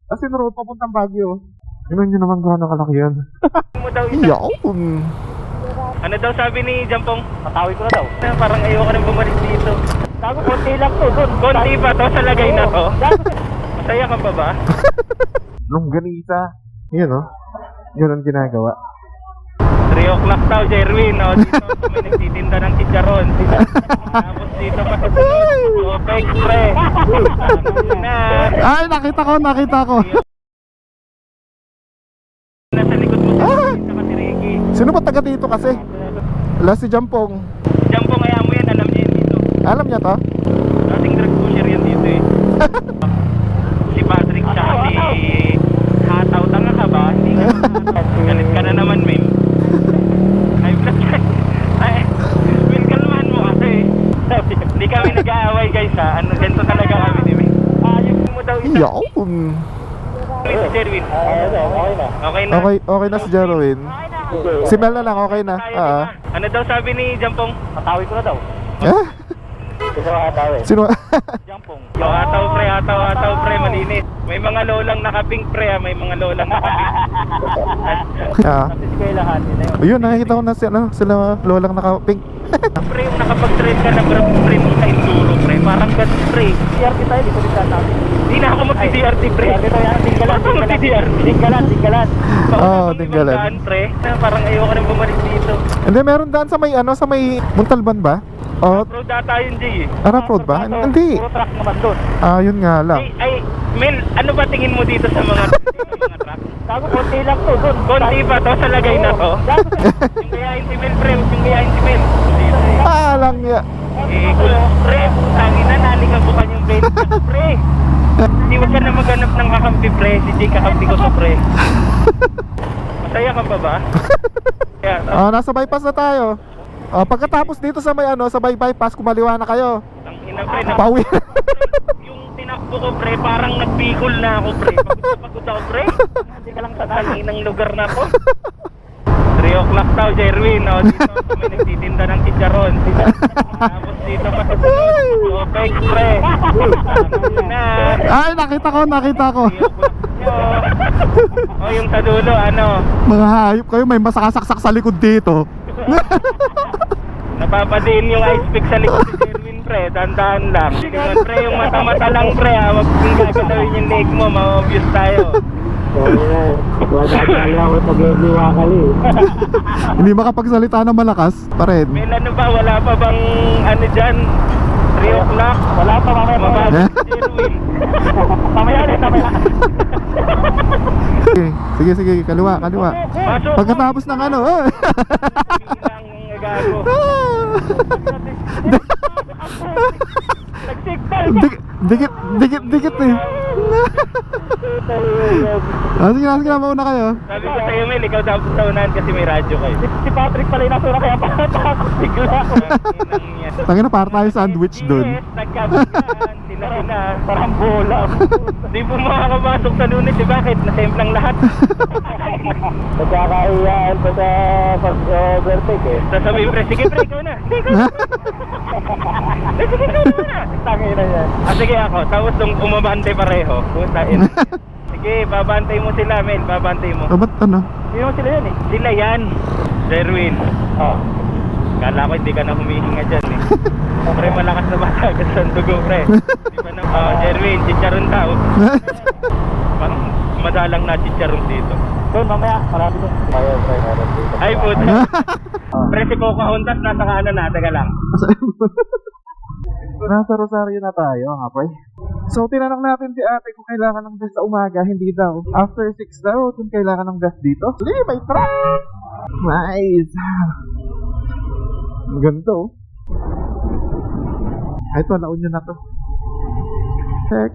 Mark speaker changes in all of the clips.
Speaker 1: As in road papuntang Baguio. Tingnan nyo naman gaano kalaki yan.
Speaker 2: Mo daw isa.
Speaker 1: Yawn!
Speaker 2: Ano daw sabi ni Jampong? Patawid ko na daw. Parang ayoko nang bumalik dito. Gago, konti lang to doon. Konti pa to sa lagay na to. Masaya ka pa ba?
Speaker 1: Longganisa. Yan o. Yun ang ginagawa.
Speaker 2: 3 o'clock daw, Jerwin. O, dito kami nagtitinda ng chicharon. Tapos dito pa sa sunod. Opex, pre. Na.
Speaker 1: Ay, nakita ko.
Speaker 2: Nasa likod mo sa si Ricky.
Speaker 1: Sino ba taga dito kasi? Wala si Jampong.
Speaker 2: Jampong, kaya mo yan. Alam niya yan dito.
Speaker 1: Alam niya to?
Speaker 2: Dating drug pusher yan dito eh. Si Patrick siya si Hataw. Tanga ka ba? Hindi ka galit ka na naman, men. Ay, vlog ka. Ay, Will, kalmahan mo kasi. Hindi kami nag-aaway guys ha. Ano, ganito talaga kami ni men. Ayun mo daw isa.
Speaker 1: Yawn!
Speaker 2: Si Jerwin. Okay na.
Speaker 1: Okay na si Jerwin. Si Mel na lang, okay na.
Speaker 2: Ano daw sabi ni Jampong? Patawid ko na daw.
Speaker 1: Sino?
Speaker 2: Jampong. Hataw pre, malinis. May mga lolang nakapink pre ha. May mga lolang nakapink. Kasi kayo lahat.
Speaker 1: Ayun, nakikita ko na sila lolang naka-pink.
Speaker 2: Pre, yung nakapag-trade ka na pre mo sa enduro pre. Parang ganun pre. DRT tayo, di ko din tatawid. Hindi na ako magti-DRT pre. Tinggalan.
Speaker 1: Oo, tinggalan.
Speaker 2: Pre, parang ayoko nang bumalik dito.
Speaker 1: Hindi, meron daan sa may Muntalban ba? Oh,
Speaker 2: Road data yun, Jay.
Speaker 1: Arap Road ba? Hindi.
Speaker 2: Puro truck naman doon.
Speaker 1: Yun nga lang.
Speaker 2: Ay, Mel, ano ba tingin mo dito sa mga truck? Gago, konti lang to doon. Konti pa to sa lagay na to? Yung gayahin si Mel, pre. Yung gayahin si Mel.
Speaker 1: Lang niya.
Speaker 2: Pre, putangin na, nalikabukan yung brain ko, pre. Hindi wag ka na maghanap ng kakampi, pre. Si Jay kakampi ko to, pre. Masaya ka pa ba?
Speaker 1: Nasa bypass na tayo. Pagkatapos dito sa may bypass, kumaliwa na kayo.
Speaker 2: Ang ina, pre.
Speaker 1: Pauwi.
Speaker 2: Yung tinakbo ko, pre, parang nagbikol na ako, pre. Pagod ako, pre. Hindi ka lang sa ng lugar na ako. 3 o'clock daw, Jerwin. O, dito kami nagtitinda ng chicharon. Tapos dito pa sa sunod. Opex, pre. Na.
Speaker 1: Ay, nakita ko.
Speaker 2: O, yung sa dulo, ano?
Speaker 1: Mga hayop kayo, may masakasaksak sa likod dito.
Speaker 2: Napapadiin yung ice pick sa likod si Jerwin, pre. Dandaan lang. Pre, yung mata-mata lang, pre. Huwag kong gagalawin yung leg mo. Ma-obvious tayo.
Speaker 1: Hindi makapagsalita na malakas pa rin.
Speaker 2: May ano ba? Wala pa bang ano dyan? 3 o'clock? Wala pa, mamaya. Mababa si Jerwin. Mamaya.
Speaker 1: Sige, kaliwa.
Speaker 2: Pasok.
Speaker 1: Pagkatapos ng ano,
Speaker 2: Gago. Nag-signal.
Speaker 1: Dikit eh. Sige na, mauna kayo.
Speaker 2: Sabi ko sa'yo, Mel, ikaw dapat sa unahan kasi may radyo kayo. Si Patrick pala yung nasura kaya takot bigla.
Speaker 1: Tangin na, para tayo sandwich dun.
Speaker 2: Nagkabigan, sila, parang bola. Di po makakapasok sa Lunes, di bakit? Nasemplang lahat. Nagkakaiyaan pa sa pag-overtake eh. Sasabihin, pre, sige pre, ikaw na. Sige, ikaw na. Tangin na yan. Sige ako, tapos nung umabante pareho. Sige, babantay mo sila, Mel, babantay mo.
Speaker 1: Ba't ano?
Speaker 2: Hindi mo sila yan eh. Sila yan, Jerwin. Kala ko hindi ka na humihinga dyan eh. Pre, malakas na batagas ang dugo, pre. Di ba na? Jerwin, chicharon tao. Parang madalang na chicharon dito. Doon, mamaya, marami doon. Ay, puta. Pre, si Coco Hondas, nasa kanan na, taga lang.
Speaker 1: Nasa Rosario na tayo, nga pre. So, tinanong natin si ate kung kailangan ng gas sa umaga, hindi daw. After 6 daw, kung kailangan ng gas dito. May truck! Nice! Ganito. Ito, naun nyo na to. Check.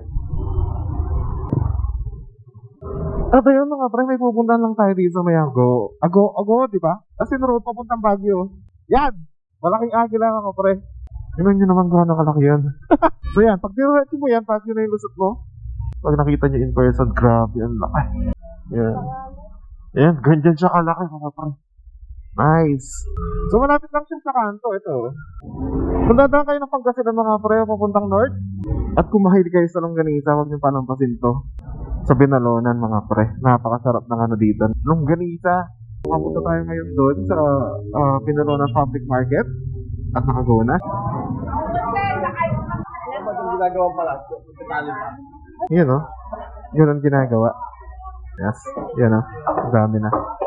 Speaker 1: At ayun mga pre, may pupuntahan lang tayo dito sa may Ago, di ba? As in road papuntang Baguio. Yan! Malaking agi lang ako pre. Tingnan nyo naman gaano kalaki yan. So yan, pag niretin mo yan, pag yun na yung lusot mo, pag nakita nyo in person, grabe, ang laki. Yan. Yan, ganyan siya kalaki mga pre. Nice. So malapit lang siya sa kanto, ito. Kung dadaan kayo ng Pangasinan mga pre, papuntang north, at kung mahilig kayo sa longganisa, huwag nyo panampasin to. Sa Binalonan mga pre. Napakasarap ng ano dito. Longganisa. Pumunta tayo ngayon doon sa Binalonan Public Market at Nakagona. Yun o. Yun ang ginagawa. Yes. Yan o. Ang dami na.